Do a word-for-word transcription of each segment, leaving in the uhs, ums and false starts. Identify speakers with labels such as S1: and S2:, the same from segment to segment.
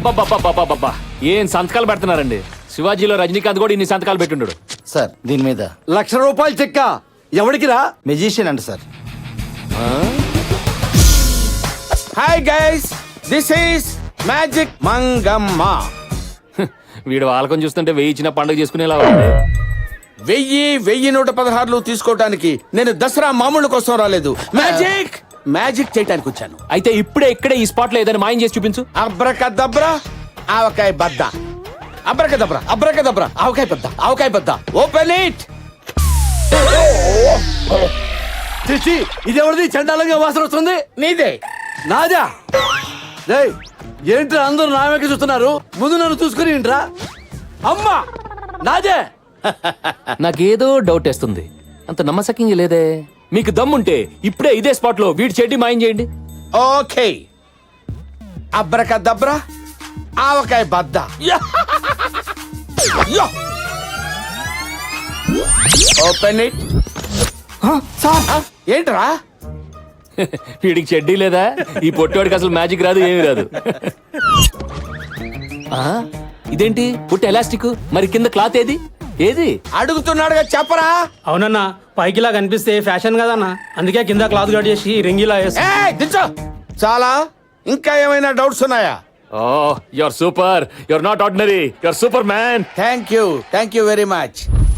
S1: అబ్బబ్బబ్బబ్బబ్బబ్బబ్బా ఏం సంతకాలు పెడుతున్నారండి. శివాజీలో రజనీకాంత్ కూడా ఇన్ని సంతకాలు పెట్టుండడు.
S2: సార్ దీని మీద
S3: లక్ష రూపాయలు చెక్క ఎవడికి రా?
S2: మెజిషియన్ అంట sir.
S4: Hi guys, this is magic Mangamma.
S1: వీడు వాళ్ళకం చూస్తుంటే వెయ్యి ఇచ్చిన పండుగ చేసుకునేలా ఉంది.
S4: వెయ్యి వెయ్యి నూట పదహారులు తీసుకోవటానికి నేను దసరా మామూలు కోసం రాలేదు, మ్యాజిక్ మ్యాజిక్ చేయటానికి వచ్చాను.
S1: అయితే ఇప్పుడే ఇక్కడే ఈ స్పాట్ లో ఏదైనా మాయం చేసి చూపించు.
S4: అబ్రకదబ్రా ఆవకాయ బద్ద, అబ్రకదబ్రా అబ్రకదబ్రా ఆవకాయ బద్ద, ఆవకాయ బద్ద. Open it.
S3: చిచ్చి, ఇది ఎవరిది? చండాలంగా వాసన వస్తుంది.
S4: నీదే.
S3: నాదా? రేయ్, ఏంట్రా అందరూ నా వెనక చూస్తున్నారు? ముందు నన్ను చూసుకుని ఏంట్రా? అమ్మా, నాదే.
S1: నాకేదో డౌట్ వేస్తుంది. అంత నమ్మసక్యంగా లేదే. మీకు దమ్ముంటే ఇప్పుడే ఇదే స్పాట్ లో వీడి చెడ్డి మాయం చేయండి.
S4: ఓకే. అబ్రకదబ్రా ఆవకాయ బద్ద. Open it. ఏంట్రా?
S1: వీడికి చెడ్డీ లేదా? ఈ పొట్టోడికి అసలు మ్యాజిక్ రాదు, ఏమి రాదు. ఆ, ఇదేంటి పుట్ట ఎలాస్టిక్, మరి కింద క్లాత్ ఏది? ఏది
S4: అడుగుతున్నాడుగా చెప్పరా.
S5: అవునన్నా, పైకిలా కనిపిస్తే ఫ్యాషన్ కదన్నా, అందుకే కింద క్లాత్ కట్ చేసి రింగిలా వేసి.
S4: ఏయ్, దించో. చాలా ఇంకా ఏమైనా డౌట్స్ ఉన్నాయా?
S1: Oh, your super, your not ordinary, your super man.
S4: Thank you thank you very much.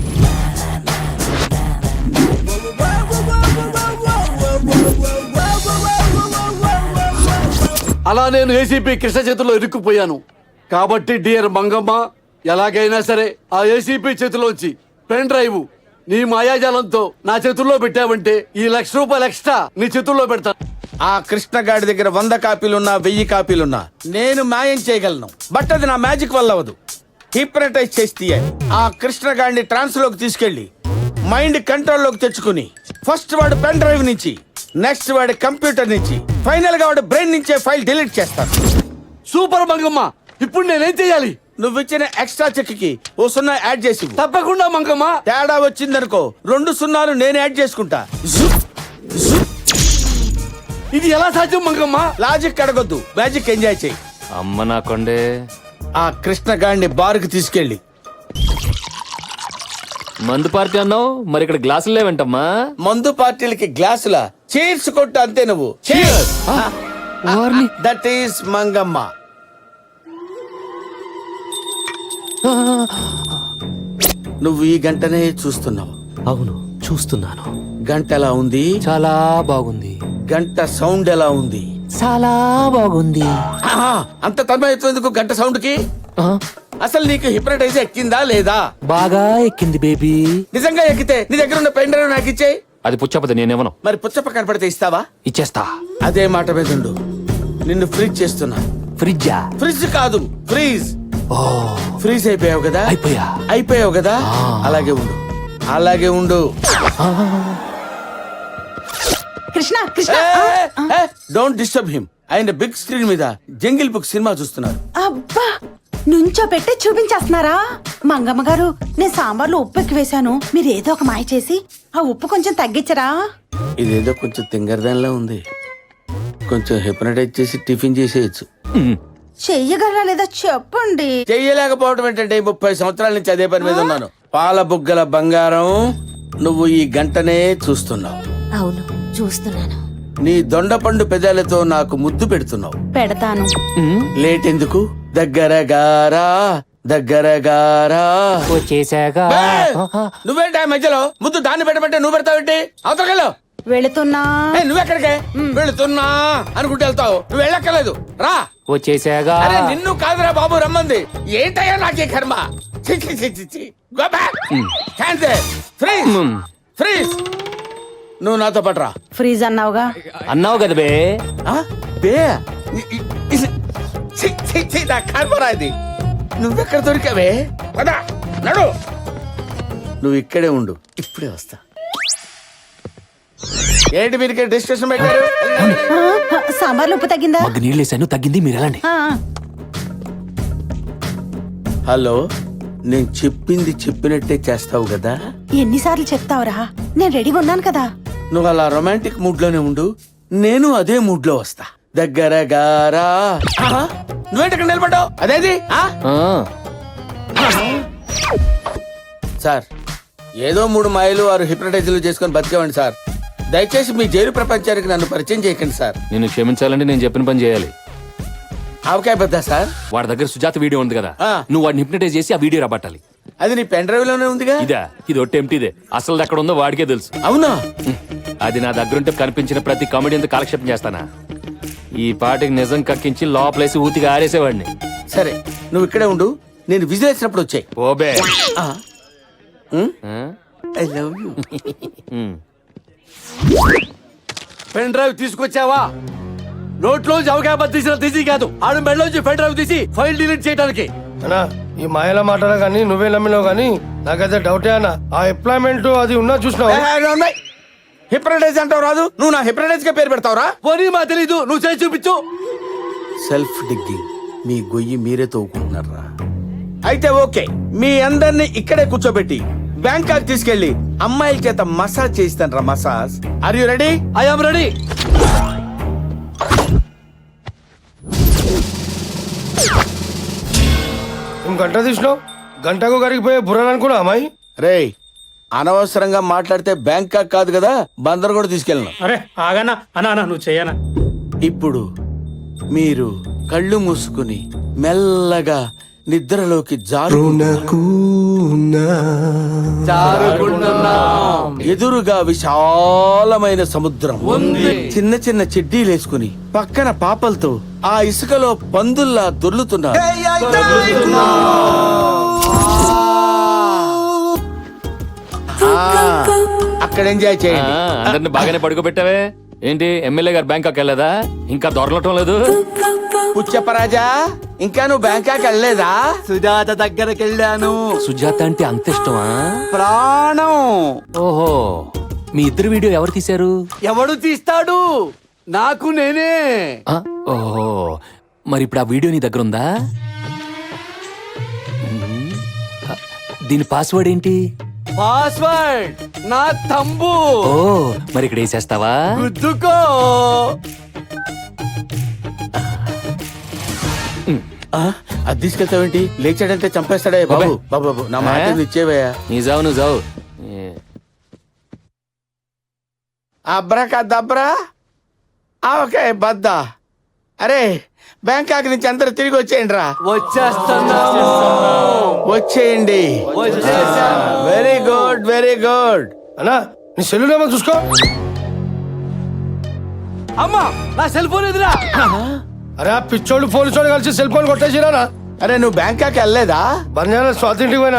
S3: అలా నేను ఏసీపీ కృష్ణ చేతుల్లో ఇరుక్కుపోయాను కాబట్టి డియర్ మంగమ్మ, ఎలాగైనా సరే ఆ ఏసీపీ చేతిలోంచి పెన్ డ్రైవ్ నీ మాయాజాలంతో నా చేతుల్లో పెట్టావంటే ఈ లక్ష రూపాయలు ఎక్స్ట్రా నీ చేతుల్లో పెడతాను.
S4: ఆ కృష్ణగాడి దగ్గర వంద కాపీలున్నా వెయ్యి కాపీలున్నా నేను మాయం చేయగలను, బట్ అది నా మ్యాజిక్ వల్ల అవ్వదు. హిప్నటైజ్ చేసి తీయాలి. ఆ కృష్ణగాడిని ట్రాన్స్ లోకి తీసుకెళ్లి మైండ్ కంట్రోల్ లోకి తెచ్చుకుని ఫస్ట్ వాడు పెన్ డ్రైవ్ నుంచి, నెక్స్ట్ వాడి కంప్యూటర్ నుంచి, ఫైనల్ గా వాడు బ్రెయిన్ నుంచే ఫైల్ డిలీట్ చేస్తాను.
S3: సూపర్ మంగమ్మ, ఇప్పుడు నేనేం చెయ్యాలి?
S4: నువ్వు ఇచ్చిన ఎక్స్ట్రా చెక్ కి ఓ సున్నా యాడ్ చేసి.
S3: తప్పకుండా మంగమ్మ.
S4: తేడా వచ్చిందనుకో రెండు సున్నాలు నేను యాడ్ చేసుకుంటా.
S3: ఇది ఎలా సాధ్యం మంగమ్మ?
S4: లాజిక్ అడగొద్దు, మ్యాజిక్ ఎంజాయ్ చేయి.
S1: అమ్మ నా కొండే.
S4: ఆ కృష్ణగాడిని బార్కి తీసుకెళ్ళి.
S1: మందు పార్టీ అన్నావు, మరి ఇక్కడ గ్లాసులు లేవంటమ్మా.
S4: మందు పార్టీలకి గ్లాసుల చీర్స్ కొట్టు అంతే. నువ్వు దట్ ఈస్ మంగమ్మ. నువ్వు ఈ గంటనే చూస్తున్నావు.
S1: అవును, చూస్తున్నాను.
S4: గంట ఎలా ఉంది?
S1: చాలా బాగుంది.
S4: గంట సౌండ్ ఎలా ఉంది?
S1: చాలా బాగుంది.
S4: ఆహా, అంత తన్మయత్వం గంట సౌండ్ కి.
S1: ఆ,
S4: అసలు నీకు హిప్నటైజ్ ఎక్కిందా లేదా?
S1: బాగా ఎక్కింది బేబీ.
S4: నిజంగా ఎక్కితే నీ దగ్గర ఉన్న పెన్ డ్రైవ్ నాకు ఇచ్చేయి.
S1: అది పుచ్చపతి, నేనేమను.
S4: మరి పుచ్చప్ప కనపడితే ఇస్తావా?
S1: ఇచ్చేస్తా.
S4: అదే మాట మీద ఉండు. నిన్ను ఫ్రీజ్ చేస్తున్నా.
S1: ఫ్రిడ్జా?
S4: ఫ్రిడ్జ్ కాదు, ఫ్రీజ్.
S1: ఓ,
S4: ఫ్రీజ్ అయిపోయావు కదా?
S1: అయిపోయా.
S4: అయిపోయావు కదా? అలాగే ఉండు, అలాగే ఉండు.
S6: Krishna Krishna
S4: don't disturb him. ఆయన బిగ్ స్క్రీన్ మీద జంగిల్ బుక్ సినిమా చూస్తున్నారు.
S6: అబ్బా, నుంచో పెట్టి చూపించేస్తున్నారా? మంగమ్మ గారు, నేను సాంబార్లో ఉప్పు ఎక్కువ వేశాను, మీరు ఏదో ఒక మాయ చేసి ఆ ఉప్పు కొంచెం తగ్గించరా?
S4: ఇదేదో కొంచెం తింగరదానిలా ఉంది, కొంచెం హిప్నటైజ్ చేసి టిఫిన్ చేసేయచ్చు.
S6: చెయ్యగలరా లేదా చెప్పండి.
S4: చెయ్యలేకపోవడం ఏంటంటే ముప్పై సంవత్సరాల నుంచి అదే పని మీద ఉన్నాను. పాల బుగ్గల బంగారం, నువ్వు ఈ గంటనే చూస్తున్నావు.
S6: అవును, చూస్తున్నాను.
S4: నీ దొండపండు పెదాలతో నాకు ముద్దు పెడుతున్నావు.
S6: పెడతాను.
S4: లేట్ ఎందుకు? దగ్గర గారా దగ్గర గారా
S1: వచ్చేసాగా.
S4: నువ్వేంటి ఆ మధ్యలో ముద్దు దాన్ని పెట్టమంటే నువ్వు పెడతావేంటి? అవతలకెళ్ళు.
S6: వెళుతున్నా.
S4: నువ్వెక్కడికే? వెళుతున్నా అనుకుంటూ వెళ్తావు. నువ్వు వెళ్ళక్కర్లేదు, రా.
S1: వచ్చేసాగా.
S4: అరే నిన్ను కాదురా బాబు రమ్మంది. ఏంటయ్యా నాకే కర్మ. చి, చి, చి, చి, చి. Go back. Cancel. Freeze. Freeze. నువ్వు నాతో పట్రా.
S6: ఫ్రీజ్ అన్నావుగా.
S1: అన్నావు కదా బే.
S4: ఆ? బే ఇ- ఇ- ఇది- చి, చి, చి, నా కర్మరా ఇది. నువ్వెక్కడ దొరికావే? పదా నడు. నువ్వు ఇక్కడే ఉండు, ఇప్పుడే వస్తా. ఏంటి మీరు ఇక్కడ డిస్కషన్ పెట్టారు?
S6: ఆ, ఆ, సాంబార్లో ఉప్పు తగ్గిందా?
S1: మగ్గు నీళ్ళు వేసాను, తగ్గింది. మీరు వెళ్ళండి.
S6: ఆ,
S4: హలో, నేను చెప్పింది చెప్పినట్టే చేస్తావు కదా?
S6: ఎన్నిసార్లు చెప్తావురా? నేను రెడీగా ఉన్నాను కదా.
S4: నువ్వు అలా రొమాంటిక్ మూడ్ లోనే ఉండు, నేను అదే మూడ్ లో వస్తా. దగ్గర గారా. ఆహా, నువ్వేంటి ఇక్కడ నిలబడ్డావు అదేది ఆ?
S1: ఆ,
S4: సార్ ఏదో మూడు మాయలు వారు హిప్నటైజర్లు చేసుకొని బతికేవండి సార్. దయచేసి మీ జైలు ప్రపంచానికి నన్ను పరిచయం చేయకండి సార్.
S1: నిన్ను క్షమించాలంటే నేను చెప్పిన పని చేయాలి.
S4: ఆవకాయ పెద్ద సార్.
S1: వాడి దగ్గర సుజాత వీడియో ఉంది కదా,
S4: ఆ.
S1: నువ్వు వాడిని హిప్నటైజ్ చేసి ఆ వీడియో రాబట్టాలి.
S4: అది నీ పెన్ డ్రైవ్ లోనే ఉందిగా.
S1: ఇదా, ఇది ఒట్టి ఎంటీదే. అసలు ఎక్కడ ఉందో వాడికే తెలుసు.
S4: అవునా?
S1: హ్మ్. అది నా దగ్గరుంటే కనిపించిన ప్రతి కామెడీ అంతా కాలక్షేపం చేస్తానా? ఈ పాటికి నిజం కక్కించి లోపలేసి ఊతిగా ఆరేసేవాడిని.
S4: సరే నువ్వు ఇక్కడే ఉండు, నేను విజిల్ వేసినప్పుడు వచ్చాయి.
S1: ఓబే. ఆ?
S4: I love you.
S1: Hmm.
S3: Pen drive తీసుకొచ్చావా? నోట్లో జవకాయ తీసిన తీసి కాదు, ఆడు మెడలోంచి పెన్ డ్రైవ్ తీసి ఫైల్ డిలీట్ చేయడానికి.
S7: అన్నా ఈ మాయల మాటలు కానీ నువ్వే నమ్మినావు కానీ నాకైతే డౌటే అన్న. ఆ ఎంప్లాయ్మెంట్ అది ఉన్నా చూసినావు.
S4: హిప్నటైజ్ అంటావు రాదు, నువ్వు నా హిప్నటైజ్ కే పేరు పెడతావురా?
S3: పోనీ మా తెలీదు, నువ్వు చేసి చూపించు.
S4: సెల్ఫ్ డిగ్గింగ్, మీ గొయ్యి మీరే తవ్వుకుంటున్నారా? అయితే ఓకే, మీ అందరినీ ఇక్కడే కూర్చోబెట్టి బ్యాంకాక్ తీసుకెళ్లి అమ్మాయిల చేత మసాజ్ చేయిస్తాను రా. Massage. Are you ready?
S3: I am ready.
S7: నువ్వు గంట తీసినావు, గంటకు కరిగిపోయే బుర్రలు అనుకున్నా అమ్మాయి.
S4: రేయ్ అనవసరంగా మాట్లాడితే బ్యాంకాక్ కాదు కదా బందర్ కూడా తీసుకెళ్ళను.
S5: అరే ఆగనా అన్నా అన్నా నువ్వు చెయ్యనా.
S4: ఇప్పుడు మీరు కళ్ళు మూసుకుని మెల్లగా నిద్రలోకి జారు. ఎదురుగా విశాలమైన సముద్రం
S3: ఉంది.
S4: చిన్న చిన్న చెడ్డీలేసుకుని పక్కన పాపలతో ఆ ఇసుకలో పందుల్లా దొర్లుతున్నారు. ఆ, అక్కడ ఎంజాయ్
S1: ఆ,
S4: చేయండి.
S1: అందరిని బాగానే పడుకోబెట్టావే. ఏంటి ఎమ్మెల్యే గారు బ్యాంకాక్ వెళ్ళదా? ఇంకా దొరలటం లేదు.
S4: పుచ్చప్పరాజా ఇంకా నువ్వు బ్యాంకాక్ వెళ్ళలేదా?
S3: సుజాత దగ్గరికి వెళ్ళాను.
S1: సుజాత అంటే అంత ఇష్టమా?
S3: ప్రాణం.
S1: ఓహో, మీ ఇద్దరు వీడియో ఎవరు తీశారు?
S3: ఎవడు తీస్తాడు? నాకు నేనే.
S1: ఆ, ఓహో, మరి ఇప్పుడు ఆ వీడియో నీ దగ్గర ఉందా? ఉమ్, ఆ, దీని పాస్వర్డ్ ఏంటి?
S3: పాస్వర్డ్ నా తంబు.
S1: ఓ, మరి ఇక్కడ వేసేస్తావా?
S3: గుద్దుకో.
S4: ఆ, అది తీసుకెళ్తావేంటి? లేచాడంటే చంపేస్తాడే బాబు. బాబు బాబు నా మాట
S1: ఏ?
S4: ఇచ్చేవయ్యా.
S1: నీ జావు నువ్వు జావు. ఏ,
S4: అబ్రకా దబ్రా ఓకే బద్దా. అరే బ్యాంకాక్ నుంచి అందరు తిరిగి వచ్చేయండి రా.
S3: వచ్చేస్తున్నాము.
S4: వచ్చేయండి.
S3: వచ్చేసాం.
S4: Very good very good.
S7: అన్నా నీ సెల్లునేమో చూసుకో.
S3: అమ్మా నా సెల్ ఫోన్ ఎదురా.
S7: అరే ఆ పిచ్చోళ్ళు పోలీసోళ్ళు కలిసి సెల్ ఫోన్ కొట్టేసిరా.
S4: అరే నువ్వు బ్యాంకాక్ వెళ్ళలేదా?
S7: బంజారా స్వాతి ఇంటికి పోయినా.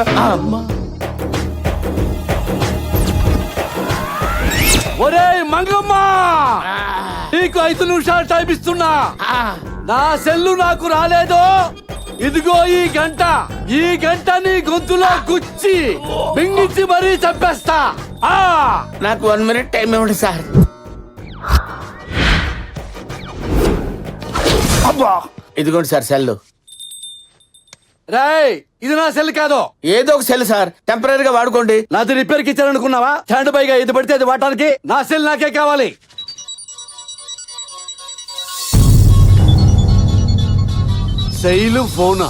S3: ఒరే మంగమ్మ, నీకు ఐదు నిమిషాలు టైం ఇస్తున్నా. నా సెల్లు నాకు రాలేదు. ఇదిగో ఈ గంట. ఈ గంట నీ గొంతులో గుచ్చి మింగించి మరీ చంపేస్తా. ఆ
S4: నాకు వన్ మినిట్ టైం ఇవ్వండి సార్. అబ్బా ఇదిగోండి సార్ సెల్.
S3: రేయ్, ఇది నా సెల్ కాదు.
S4: ఏదో ఒక సెల్ సార్, టెంపరీగా వాడుకోండి.
S3: నాది రిపేర్ కి ఇచ్చారనుకున్నావా? స్టాండ్ బైగా ఇది పడితే అది వాడటానికి. నా సెల్ నాకే కావాలి. శైలు ఫోనా?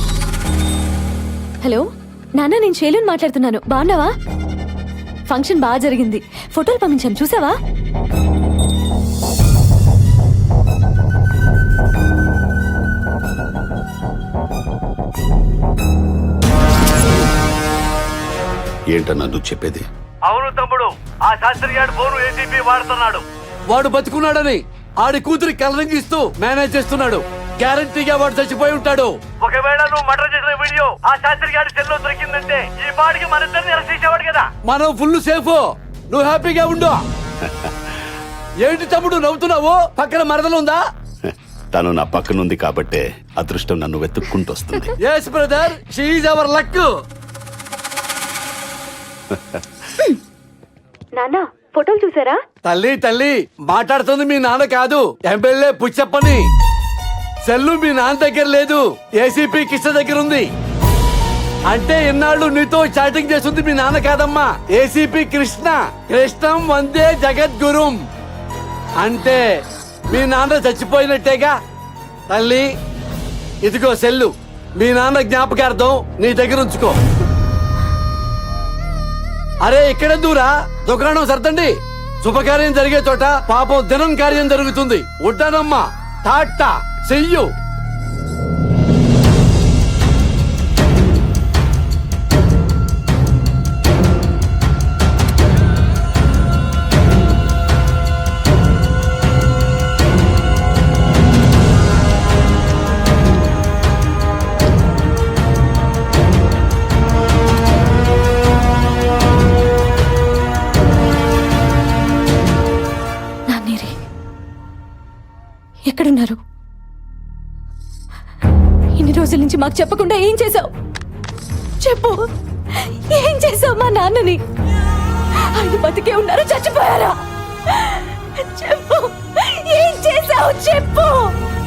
S8: హలో నాన్న, నేను శైలుని మాట్లాడుతున్నాను. బాగున్నావా? ఫంక్షన్ బాగా జరిగింది. ఫోటోలు పంపించాను, చూసావా?
S9: ఏంటన్నా నువ్వు చెప్పేది?
S3: అవును తమ్ముడు, ఆ శాస్త్రి గారు ఫోను ఏసీపీ వాడుతున్నాడు. వాడు బతుకున్నాడని ఆడి కూతురి కలరింగ్ ఇస్తూ మేనేజ్ చేస్తున్నాడు. గ్యారంటీగా వాడు చచ్చిపోయి ఉంటాడు. ఒకవేళ నువ్వు మర్డర్ చేసిన వీడియో ఆ శాస్త్రి గారి సెల్లో దొరికిందంటే ఈ పాటికి మన ఇద్దరిని అరెస్ట్ చేసేవాడు కదా. మనం ఫుల్ సేఫ్. నువ్వు హ్యాపీగా ఉండు. ఏంటి తమ్ముడు నవ్వుతున్నావు? పక్కన మరదలుందా?
S9: తను నా పక్కనుంది కాబట్టే అదృష్టం నన్ను వెతుక్కుంటూ వస్తుంది.
S3: Yes brother, she is our luck.
S8: నాన్న ఫోటోలు చూసారా?
S3: తల్లి తల్లి మాట్లాడుతుంది మీ నాన్న కాదు, ఎమ్మెల్యే పుచ్చప్పని. సెల్లు మీ నాన్న దగ్గర లేదు, ఏసీపీ కృష్ణ దగ్గర ఉంది. అంటే ఇన్నాళ్ళు నీతో చాటింగ్ చేస్తుంది మీ నాన్న కాదమ్మా, ఏసీపీ కృష్ణ. కృష్ణం వందే జగద్గురుం. అంటే మీ నాన్న చచ్చిపోయినట్టేగా. తల్లి ఇదిగో సెల్లు మీ నాన్న జ్ఞాపకార్థం నీ దగ్గర ఉంచుకో. అరే ఇక్కడే దూరా దుకాణం సర్దండి. శుభకార్యం జరిగే చోట పాపం దినం కార్యం జరుగుతుంది. ఉంటానమ్మా, టాటా, చెయ్యు.
S8: నాన్నేరి ఎక్కడున్నారు? ఇన్ని రోజుల నుంచి మాకు చెప్పకుండా ఏం చేసావు? చెప్పు, ఏం చేసావు మా నాన్నని? ఆయన బతికే ఉన్నారా, చచ్చిపోయారా? చెప్పు, ఏం చేసావు చెప్పు.